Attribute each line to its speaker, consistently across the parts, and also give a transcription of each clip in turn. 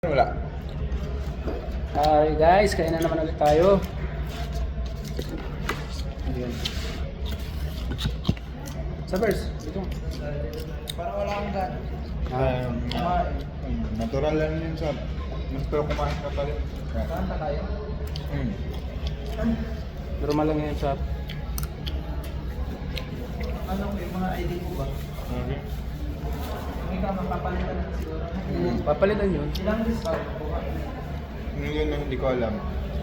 Speaker 1: Wala.
Speaker 2: Hi guys, kain na naman ulit tayo. Ayan. Sabers, dito.
Speaker 3: Parang wala akong gan.
Speaker 1: Natural lang yun sa pero kumain ka pa rin.
Speaker 3: Saan pa tayo?
Speaker 2: Normal lang yan sa...
Speaker 3: Anong yung mga ID ko ba? Kung ikaw mapapalitan na siguro.
Speaker 2: Papalitan yun.
Speaker 3: Ilang discount ko ba?
Speaker 1: Yun ang hindi ko alam.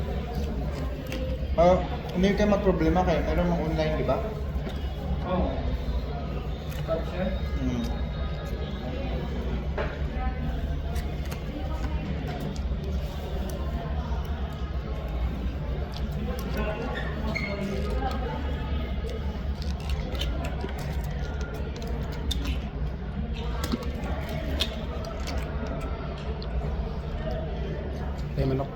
Speaker 1: Hindi kayo magproblema kayo. Meron mga online, di ba?
Speaker 3: Oo. Stop share?
Speaker 2: Tayo manok.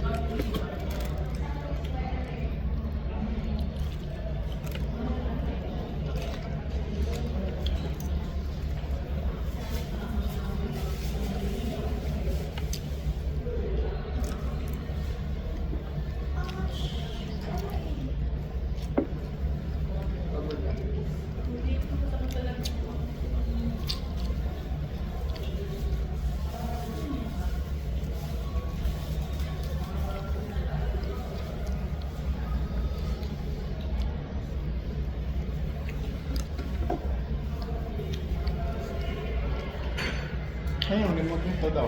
Speaker 1: Ayun, remote nito daw.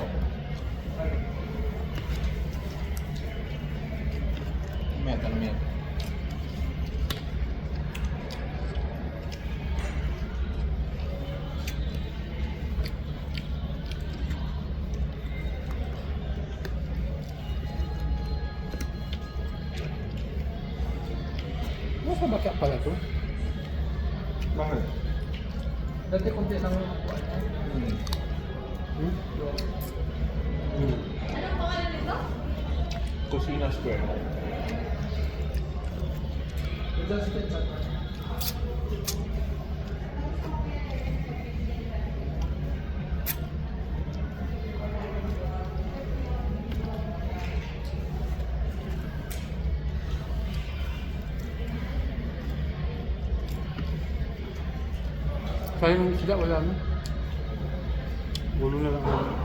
Speaker 1: Meta na meta.
Speaker 2: Nasa bakya pala to?
Speaker 1: Bakit?
Speaker 3: Dati kung lang yung upuan niya.
Speaker 1: Kusina Square.
Speaker 3: Just get sa
Speaker 2: Sayang yung sila, wala na. Gulo na lang.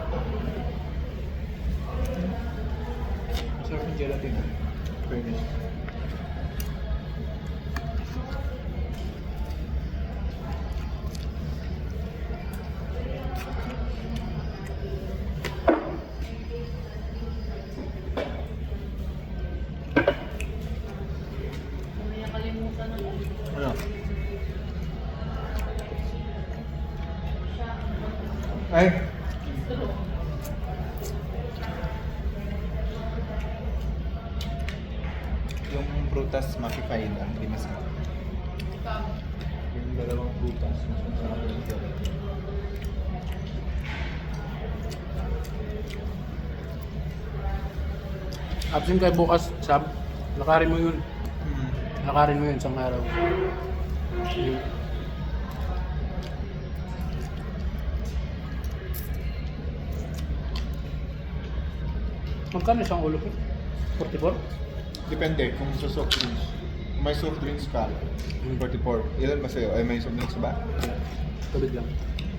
Speaker 1: Masarap yung gelatin. Fairness. Ano? Ay! Yung prutas maki-fine lang, hindi masarap. Yung dalawang prutas, mas masarap yung gelatin.
Speaker 2: Absent kayo bukas, Sab. Lakarin mo yun. Lakarin mo yun isang araw. Yun. Magkano isang ulo ko? 44?
Speaker 1: Depende kung sa soft drinks. Kung may soft drinks ka, 44. Ilan ba sa'yo? Ay, may soft drinks ba?
Speaker 2: Tubig lang.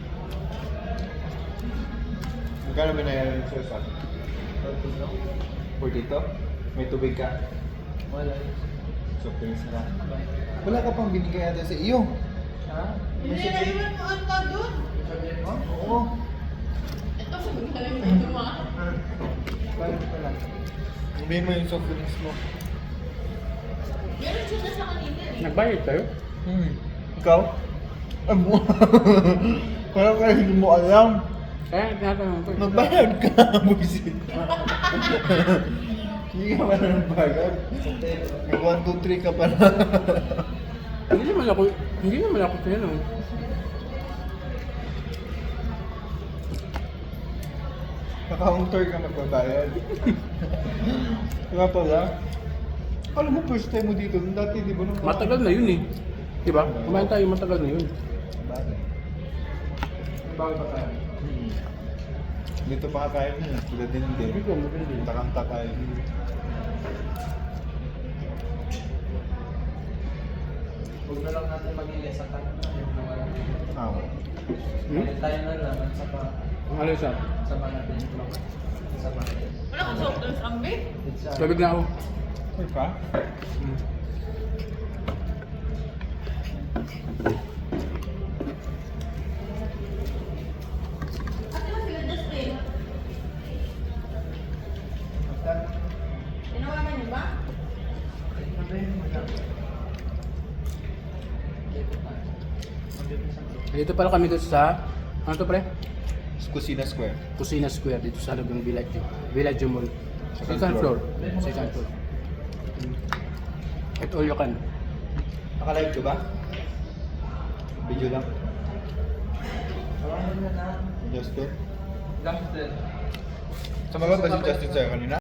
Speaker 1: Magkano binayaran sa'yo sa 42? May tubig ka?
Speaker 3: wala.
Speaker 1: Soft drinks na. Wala ka pang binigay ata sa iyo.
Speaker 3: Ha? May
Speaker 4: Hindi,
Speaker 3: sabihin
Speaker 4: naiwan mo ang tao doon.
Speaker 3: mo?
Speaker 1: Oo.
Speaker 4: Ito, magaling mo ito mga.
Speaker 3: Bakit pala?
Speaker 1: Sabihin mo yung soft drinks mo.
Speaker 4: Meron sila sa kanina eh.
Speaker 2: Nagbayad kayo?
Speaker 1: Ikaw? Ay mo. Parang kaya hindi mo alam.
Speaker 2: Kaya tinatanong ko.
Speaker 1: Magbayad ka, buisit. Hindi ka pa na nagbayad. May 1, 2, 3 ka pa na.
Speaker 2: Hindi naman ako tinanong.
Speaker 1: Naka-counter ka magbabayad. Kaya pala, alam mo first time mo dito, dati di ba nung...
Speaker 2: Matagal na yun eh. Diba? Kumain tayo, matagal na yun.
Speaker 1: Bagay.
Speaker 3: Bago pa tayo.
Speaker 1: Dito pa kakain mo. Sila din hindi.
Speaker 2: Hindi ko, maganda.
Speaker 1: Takanta tayo.
Speaker 3: Huwag na lang natin mag-ilis sa tayo.
Speaker 1: Ah,
Speaker 3: Balik tayo na lang at
Speaker 2: Ang alis ah.
Speaker 3: sama natin yung vlog. Sama natin.
Speaker 4: Wala kang soft drinks, Ambi?
Speaker 3: It's
Speaker 2: Sabig na ako.
Speaker 1: okay pa?
Speaker 2: Hmm.
Speaker 4: Ate mo sila Justin. Tinawagan niyo ba?
Speaker 2: Dito pala kami dito sa, ano to pre?
Speaker 1: Kusina Square.
Speaker 2: Kusina Square dito sa Lagong Village. Village Mall.
Speaker 1: Second
Speaker 2: Second
Speaker 1: floor.
Speaker 2: floor. Second floor. At all you can.
Speaker 1: Naka-live ka ba? Video lang.
Speaker 3: Tawagan na na.
Speaker 1: Justin.
Speaker 3: Justin.
Speaker 1: Sumagot ba si Justin sa'yo kanina?